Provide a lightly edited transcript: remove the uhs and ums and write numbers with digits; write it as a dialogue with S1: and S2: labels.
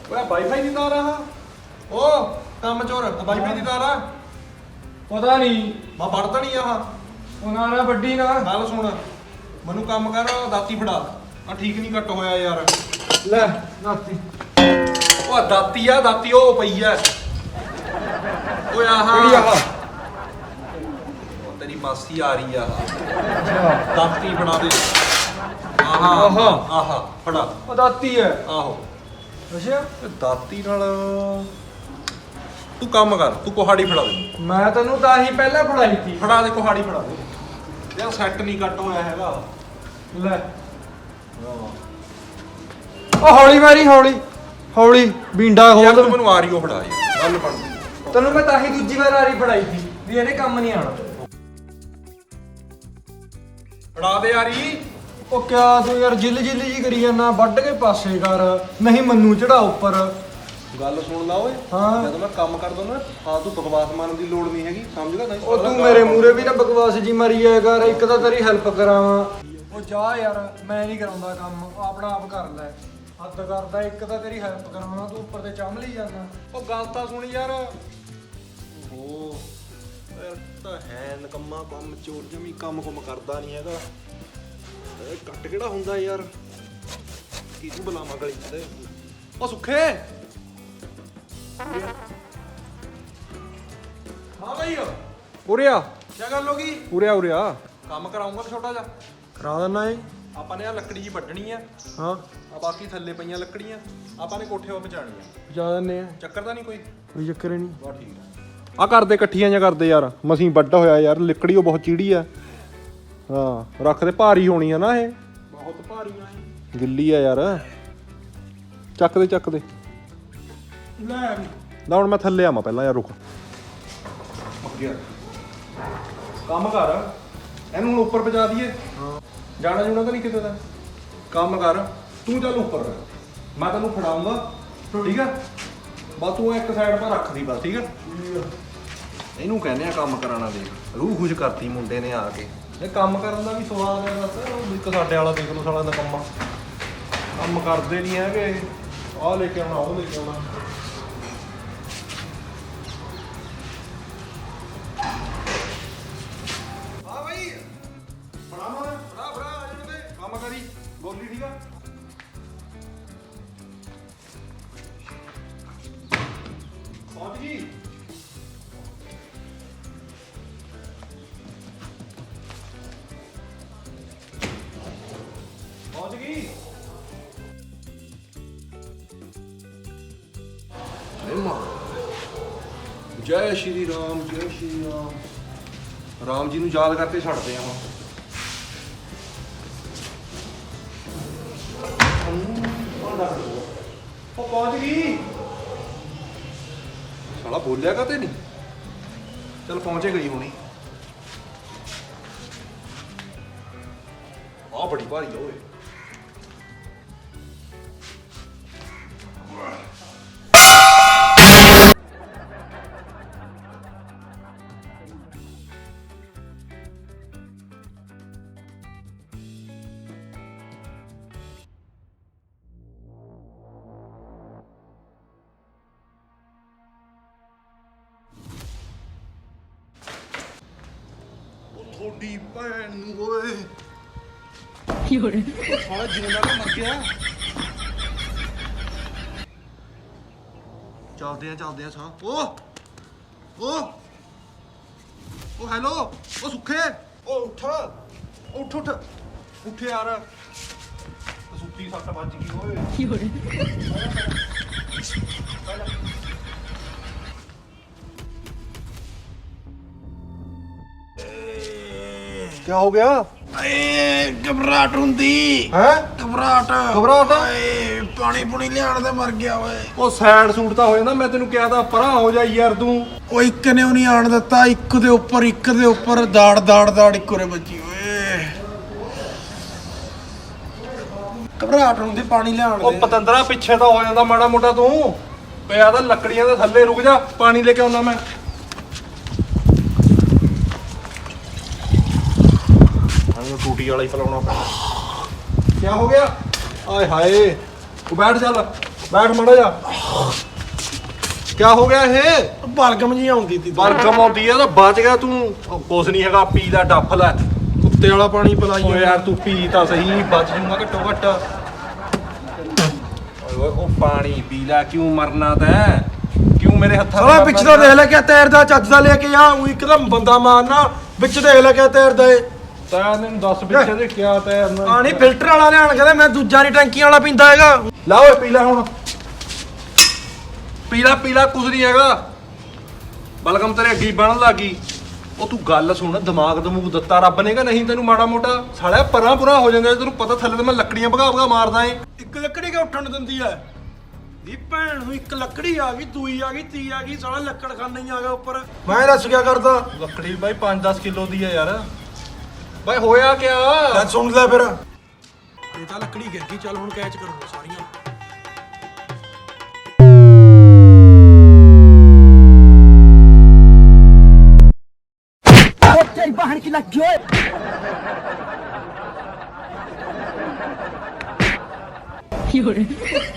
S1: ਓਏ ਵਾਈਫਾਈ ਦੀ ਤਾਰ ਆ ਓ ਕੰਮ ਚੋਰ ਵਾਈਫਾਈ ਦੀ ਤਾਰ ਆ
S2: ਪਤਾ ਨਹੀਂ
S1: ਮੈਂ ਵੜਦਾ ਨਹੀਂ ਆਹ
S2: ਉਹਨਾਂ ਨੇ ਵੱਡੀ ਨਾ
S1: ਗੱਲ ਸੁਣ ਮੈਨੂੰ ਕੰਮ ਕਰ ਦਾਤੀ ਫੜਾ ਆ ਠੀਕ ਨਹੀਂ ਕੱਟ ਹੋਇਆ ਯਾਰ
S2: ਲੈ ਨਾਤੀ
S1: ਉਹ ਦਾਤੀ ਆ ਦਾਤੀ ਉਹ ਪਈ ਆ ਓਏ
S2: ਕਿਹੜੀ
S1: ਆਹ
S2: ਆਹ
S1: ਤੇਰੀ ਮਾਸੀ ਆ ਰਹੀ ਆ
S2: ਅੱਛਾ
S1: ਦਾਤੀ ਫੜਾ ਦੇ ਆਹਾ
S2: ਆਹਾ।
S1: ਆਹਾ ਫੜਾ
S2: ਉਹ ਦਾਤੀ ਹੈ
S1: ਆਹੋ
S2: ਅੱਛਾ
S1: ਤੇ ਦਾਤੀ ਨਾਲ ਤੂੰ ਕੰਮ ਕਰ ਤੂੰ ਕੁਹਾੜੀ ਫੜਾ ਦੇ
S2: ਮੈਂ ਤੈਨੂੰ ਤਾਂ ਹੀ ਪਹਿਲਾਂ ਫੜਾਈ ਸੀ
S1: ਫੜਾ ਦੇ ਕੁਹਾੜੀ ਫੜਾ ਦੇ ਯਾਰ ਸੈੱਟ ਨਹੀਂ ਕੱਟ ਹੋਇਆ ਹੈਗਾ
S2: ਲੈ ਉਹ ਹੌਲੀ ਮਾਰੀ ਹੌਲੀ ਹੌਲੀ ਬਿੰਡਾ
S1: ਯਾਰ
S2: ਖੋਲ
S1: ਤੂੰ ਮੈਨੂੰ ਆ ਰਹੀ ਉਹ ਫੜਾ ਯਾਰ ਗੱਲ ਪੜ
S2: ਤੈਨੂੰ ਮੈਂ ਤਾਂ ਹੀ ਦੂਜੀ ਵਾਰ ਆਰੀ ਫੜਾਈ ਸੀ ਵੀ ਇਹਨੇ ਕੰਮ ਨਹੀਂ ਆਣਾ
S1: ਫੜਾ ਦੇ ਯਾਰੀ
S2: ਉਹ ਕਿਆ ਤੂੰ ਯਾਰ ਜਿੱਲ ਜੀ ਕਰੀ ਜਾਂਦਾ ਵੱਢ ਕੇ ਪਾਸੇ ਕਰ ਨਹੀਂ ਮੰਨੂ ਚੜਾ ਉੱਪਰ
S1: ਗੱਲ ਸੁਣ ਲਾ ਓਏ
S2: ਹਾਂ।
S1: ਜਦੋਂ ਮੈਂ ਕੰਮ ਕਰਦਾ ਨਾ ਹਾਂ ਤੂੰ ਬਕਵਾਸ ਮਾਰਨ ਦੀ ਲੋੜ ਨਹੀਂ ਹੈਗੀ ਸਮਝ ਗਿਆ ਨਹੀਂ
S2: ਉਹ ਤੂੰ ਮੇਰੇ ਮੂਰੇ ਵੀ ਨਾ ਬਕਵਾਸ ਜੀ ਮਾਰੀ ਜਾਇਆ ਕਰ ਇੱਕ ਤਾਂ ਤੇਰੀ ਹੈਲਪ ਕਰਾਵਾਂ ਉਹ ਜਾ ਯਾਰ ਮੈਂ ਨਹੀਂ ਕਰਾਉਂਦਾ ਕੰਮ ਆਪਣਾ ਆਪ ਕਰ ਲੈ ਹੱਦ ਕਰਦਾ ਇੱਕ ਤਾਂ ਤੇਰੀ ਹੈਲਪ ਕਰਾਵਾਂ ਤੂੰ ਉੱਪਰ ਤੇ ਚੰਮ ਲਈ ਜਾਂਦਾ
S1: ਉਹ ਗੱਲ ਤਾਂ ਸੁਣ ਯਾਰ ਓ ਯਾਰ ਤਾਂ ਹੈ ਨਕੰਮਾ ਕੰਮ ਚੋਰ ਜਮੀ ਕੰਮ ਕਰਦਾ ਨਹੀਂ ਹੈਗਾ ਇਹ ਕੱਟ ਕਿਹੜਾ ਹੁੰਦਾ ਯਾਰ ਕੀ ਤੂੰ ਬੁਲਾਵਾਂ ਗਲੀ ਤੇ ਉਹ ਸੁੱਖੇ ਹਾਂ ਭਾਈ
S2: ਉਰੇ ਆ
S1: ਕੀ ਗੱਲ ਹੋ ਗਈ
S2: ਉਰੇ ਆ
S1: ਕੰਮ ਕਰਾਉਂਗਾ ਛੋਟਾ ਜਿਹਾ
S2: ਕਰਾ ਦਿੰਨਾ ਏ
S1: ਆਪਾਂ ਨੇ ਆ ਲੱਕੜੀ ਜੀ ਵੱਢਣੀ ਆ
S2: ਹਾਂ
S1: ਆ ਬਾਕੀ ਥੱਲੇ ਪਈਆਂ ਲੱਕੜੀਆਂ ਆਪਾਂ ਨੇ ਕੋਠੇ 'ਤੇ ਪਹੁੰਚਾਣੀ ਆ
S2: ਜਾ ਦਿੰਨੇ ਆ
S1: ਚੱਕਰ ਤਾਂ ਨਹੀਂ ਕੋਈ
S2: ਕੋਈ ਚੱਕਰ ਹੀ ਨਹੀਂ
S1: ਬਹੁਤ ਠੀਕ ਆ ਕਰਦੇ ਇਕੱਠੀਆਂ ਜਾਂ ਕਰਦੇ ਯਾਰ ਮਸੀਂ ਵੱਡਾ ਹੋਇਆ ਯਾਰ ਲੱਕੜੀ ਉਹ ਬਹੁਤ ਚੀੜੀ ਆ ਹਾਂ ਰੱਖਦੇ ਭਾਰੀ ਹੋਣੀ ਆ ਨਾ ਇਹ ਬਹੁਤ ਭਾਰੀ ਆ ਇਹ ਗਿੱਲੀ ਆ ਯਾਰ ਚੱਕ ਦੇ
S2: ਲੈ
S1: ਨਾ ਹੁਣ ਮੈਂ ਥੱਲੇ ਆਵਾਂ ਪਹਿਲਾਂ ਯਾਰ ਰੁਕ ਕੰਮ ਕਰ ਇਹਨੂੰ ਹੁਣ ਉੱਪਰ ਪਹੁੰਚਾ ਦਈਏ
S2: ਹਾਂ
S1: ਜਾਣਾ ਜੂਣਾ ਤਾਂ ਨਹੀਂ ਕਿਤੇ ਦਾ ਕੰਮ ਕਰ ਤੂੰ ਚੱਲ ਉੱਪਰ ਮੈਂ ਤੈਨੂੰ ਫੜਾਉਂਗਾ ਠੀਕ ਆ ਬਸ ਤੂੰ ਇੱਕ ਸਾਈਡ 'ਤੇ ਰੱਖ ਦੀ ਬਸ ਠੀਕ ਆ ਇਹਨੂੰ ਕਹਿੰਦੇ ਆ ਕੰਮ ਕਰਾਣਾ ਦੇ ਰੂਹ ਖੁਸ਼ ਕਰਤੀ ਮੁੰਡੇ ਨੇ ਆ ਕੇ ਇਹ ਕੰਮ ਕਰਨ ਦਾ ਵੀ ਸਵਾਦ ਹੈ ਦੱਸ ਇੱਕ ਸਾਡੇ ਵਾਲਾ ਦੇਖ ਲਓ ਸਾਲਾ ਦਾ ਕੰਮ ਕਰਦੇ ਨਹੀਂ ਹੈਗੇ ਆਹ ਲੈ ਕੇ ਆਉਣਾ ਉਹ ਲੈ ਕੇ ਆਉਣਾ ਹਾਂ ਭਾਈ ਫੜਾ ਆ ਜਾਣ ਦੇ ਕੰਮ ਕਰੀ ਬੋਲੀ ਠੀਕ ਆ ਪਹੁੰਚ ਗਈ ਪਹੁੰਚ ਗਈ ਜੈ ਸ਼੍ਰੀ ਰਾਮ ਜੈ ਸ਼੍ਰੀ ਰਾਮ ਰਾਮ ਜੀ ਨੂੰ ਯਾਦ ਕਰਕੇ ਛੱਡਦੇ ਆ ਹੁਣ ਉਹ ਪਹੁੰਚ ਗਈ ਸਾਲਾ ਬੋਲਿਆ ਕਾਤੇ ਨਹੀਂ ਚਲ ਪਹੁੰਚੇ ਗਈ ਹੋਣੀ ਆ ਬੜੀ ਭਾਰੀ ਆ ਓਏ ਥੋੜੀ ਭੈਣ ਨੂੰ ਓਏ ਸਾਲਾ ਜਿਉਂਦਾ ਤਾਂ ਮਰ ਗਿਆ ਚੱਲਦੇ ਆ ਸਾਹ ਓ ਹੈਲੋ ਓ ਸੁੱਖੇ ਓ ਉੱਠ ਯਾਰ ਸੁੱਤੀ ਸੱਟ ਵੱਜ ਗਈ ਓਏ ਕੀ ਹੋ ਗਿਆ
S3: ਏ ਘਬਰਾਹਟ ਹੁੰਦੀ
S1: ਹੈ
S3: ਘਬਰਾਹਟ ਏ ਪਾਣੀ ਪੁਣੀ ਲਿਆਣ ਤੇ ਮਰ ਗਿਆ ਓਏ
S1: ਉਹ ਸਾਈਡ ਸੂਟ ਤਾਂ ਹੋ ਜਾਂਦਾ ਮੈਂ ਤੈਨੂੰ ਕਿਹਾ ਤਾਂ ਪਰਾਂ ਹੋ ਜਾ ਯਾਰ ਤੂੰ
S3: ਉਹ ਇੱਕ ਨੇ ਉਹ ਨਹੀਂ ਆਣ ਦਿੱਤਾ ਇੱਕ ਦੇ ਉੱਪਰ ਦਾੜ ਇੱਕੋ ਰੇ ਬੱਜੀ ਓਏ ਘਬਰਾਹਟ ਹੁੰਦੀ ਪਾਣੀ ਲਿਆਣ
S1: ਉਹ
S3: ਦੇ
S1: ਪਤੰਦਰਾ ਪਿੱਛੇ ਤਾਂ ਹੋ ਜਾਂਦਾ ਮਾੜਾ ਮੋਟਾ ਤੂੰ ਪਿਆ ਤਾਂ ਲੱਕੜੀਆਂ ਦੇ ਥੱਲੇ ਰੁਕ ਜਾ ਪਾਣੀ ਲੈ ਕੇ ਆਉਣਾ ਮੈਂ ਟੂਟੀ ਵਾਲਾ ਹੀ ਫਲਾਉਣਾ ਪੈਣਾ ਕੀ ਹੋ ਗਿਆ ਆਏ ਹਾਏ ਉਹ ਬੈਠ ਚੱਲ ਬੈਠ ਮੜਾ ਜਾ ਕਿਆ ਹੋ ਗਿਆ ਇਹ
S3: ਬਲਗਮ ਜੀ ਆਉਂਦੀ ਤੀ
S1: ਬਲਗਮ ਆਉਂਦੀ ਆ ਤਾਂ ਬਚ ਗਿਆ ਤੂੰ ਕੁਛ ਨਹੀਂ ਹੈਗਾ ਪੀ ਲੈ ਡੱਫ ਲੈ
S3: ਕੁੱਤੇ ਵਾਲਾ ਪਾਣੀ ਪਿਲਾਈ
S1: ਓਏ ਯਾਰ ਤੂੰ ਪੀ ਤਾਂ ਸਹੀ ਬਚ ਜੂਗਾ ਘੱਟੋ ਘੱਟ ਓਏ ਉਹ ਪਾਣੀ ਪੀ ਲੈ ਕਿਉਂ ਮਰਨਾ ਤੈਂ ਕਿਉਂ ਮੇਰੇ ਹੱਥਾਂ
S3: ਸਾਲਾ ਵਿੱਚ ਤਾਂ ਦੇਖ ਲੈ ਕਿਆ ਤੈਰਦਾ ਚੱਜ ਦਾ ਲੈ ਕੇ ਆ ਉਹ ਇੱਕਦਮ ਬੰਦਾ ਮਾਰਨਾ ਵਿੱਚ ਦੇਖ ਲੈ ਕਿਆ ਤੈਰਦਾ ਏ
S1: ਤੈਂ ਮੈਨੂੰ ਦੱਸ ਵਿੱਚ ਇਹਦੇ ਕਿਆ ਤੈਰਨਾ
S3: ਪਾਣੀ ਫਿਲਟਰ ਵਾਲਾ ਲਿਆਣ ਕਹਿੰਦਾ ਮੈਂ ਦੂਜਾ ਨਹੀਂ ਟੈਂਕੀਆਂ ਵਾਲਾ ਪੀਂਦਾ ਹੈਗਾ
S1: ਲਾ ਓਏ ਪੀ ਲੈ ਹੁਣ ਪੀ ਲੈ ਕੁਝ ਨਹੀਂ ਹੈਗਾ ਬਲਗਮ ਤੇਰੇ ਅੱਗੀ ਬਣਨ ਲੱਗੀ ਉਹ ਤੂੰ ਗੱਲ ਸੁਣ ਦਿਮਾਗ ਦਮੂਗ ਦਿੱਤਾ ਰੱਬ ਨੇ ਕਿ ਨਹੀਂ ਤੈਨੂੰ ਮਾੜਾ ਮੋਟਾ ਸਾਲਿਆ ਪਰਾਂ ਪੁਰਾ ਹੋ ਜਾਂਦਾ ਤੈਨੂੰ ਪਤਾ ਥੱਲੇ ਤੇ ਮੈਂ ਲੱਕੜੀਆਂ ਭਗਾ ਮਾਰਦਾ ਏ
S3: ਇੱਕ ਲੱਕੜੀ ਕਿ ਉੱਠਣ ਨੂੰ ਦਿੰਦੀ ਐ ਦੀ ਭੈਣ ਨੂੰ ਇੱਕ ਲੱਕੜੀ ਆ ਗਈ ਦੂਈ ਆ ਗਈ ਤੀ ਆ ਗਈ ਸਾਲਾ ਲੱਕੜ ਖਾਨਾ ਹੀ ਆ ਗਿਆ ਉੱਪਰ ਮੈਂ ਦੱਸ ਕਿਆ ਕਰਦਾ
S1: ਲੱਕੜੀ ਬਾਈ 5-10 ਕਿਲੋ ਦੀ ਆ ਯਾਰ ਬਾਈ ਹੋਇਆ ਕਿਆ
S3: ਲੈ ਸੁਣ ਲੈ ਫਿਰ ਇਹ ਤਾਂ ਲੱਕੜੀ ਗਿਰ ਗਈ ਚੱਲ ਹੁਣ ਕੈਚ ਕਰੂੰਗਾ ਸਾਰੀਆਂ
S4: तेरी बहन की लग गई है